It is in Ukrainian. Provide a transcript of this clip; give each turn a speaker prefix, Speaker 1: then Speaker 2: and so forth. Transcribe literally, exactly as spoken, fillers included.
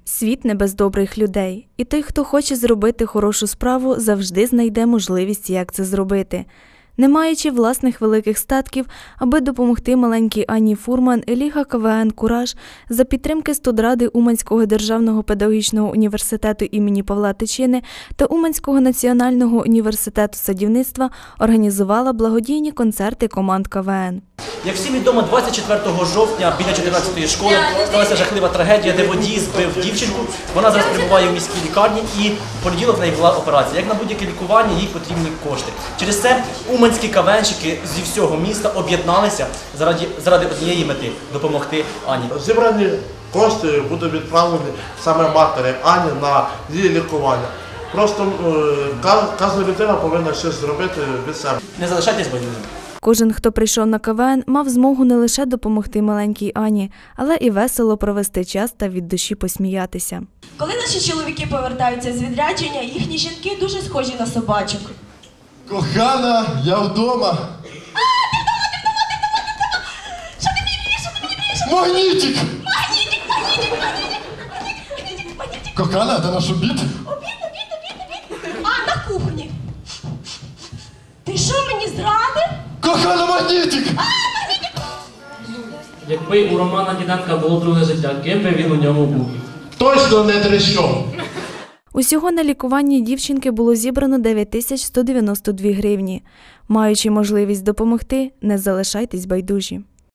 Speaker 1: Світ не без добрих людей, і той, хто хоче зробити хорошу справу, завжди знайде можливість, як це зробити. Не маючи власних великих статків, аби допомогти маленькій Анні Фурман, Ліга КВН «Кураж» за підтримки студради Уманського державного педагогічного університету імені Павла Тичини та Уманського національного університету садівництва організувала благодійні концерти команд КВН.
Speaker 2: Як всім відомо, двадцять четвертого жовтня біля чотирнадцятої школи сталася жахлива трагедія, де водій збив дівчинку. Вона зараз перебуває в міській лікарні і в понеділок в неї була операція. Як на будь-яке лікування, їй потрібні кошти. Через це уманські КВНщики зі всього міста об'єдналися заради, заради однієї мети – допомогти Ані.
Speaker 3: Зібрані кошти будуть відправлені саме матері Ані на її лікування. Просто е, кожна людина повинна щось зробити від себе.
Speaker 2: Не залишайтесь байдужими.
Speaker 1: Кожен, хто прийшов на КВН, мав змогу не лише допомогти маленькій Ані, але і весело провести час та від душі посміятися.
Speaker 4: Коли наші чоловіки повертаються з відрядження, їхні жінки дуже схожі на собачок.
Speaker 5: Кохана, я вдома.
Speaker 4: А, ти вдома, ти вдома, ти вдома, ти вдома! Що ти мені б'єш, що ти мені б'єш?
Speaker 5: Магнітик!
Speaker 4: Магнітик, магнітик, магнітик, магнітик, магнітик.
Speaker 5: Кохана, це наш обід?
Speaker 4: Обід, обід, обід, обід. А, на кухні. Ти що, мені зрадив?
Speaker 5: Кохана, магнітик!
Speaker 6: Якби у Романа Діденка було друге життя, ким би він у ньому був?
Speaker 5: Точно не трещом.
Speaker 1: Усього на лікуванні дівчинки було зібрано дев'ять тисяч сто дев'яносто дві гривні. Маючи можливість допомогти, не залишайтесь байдужі.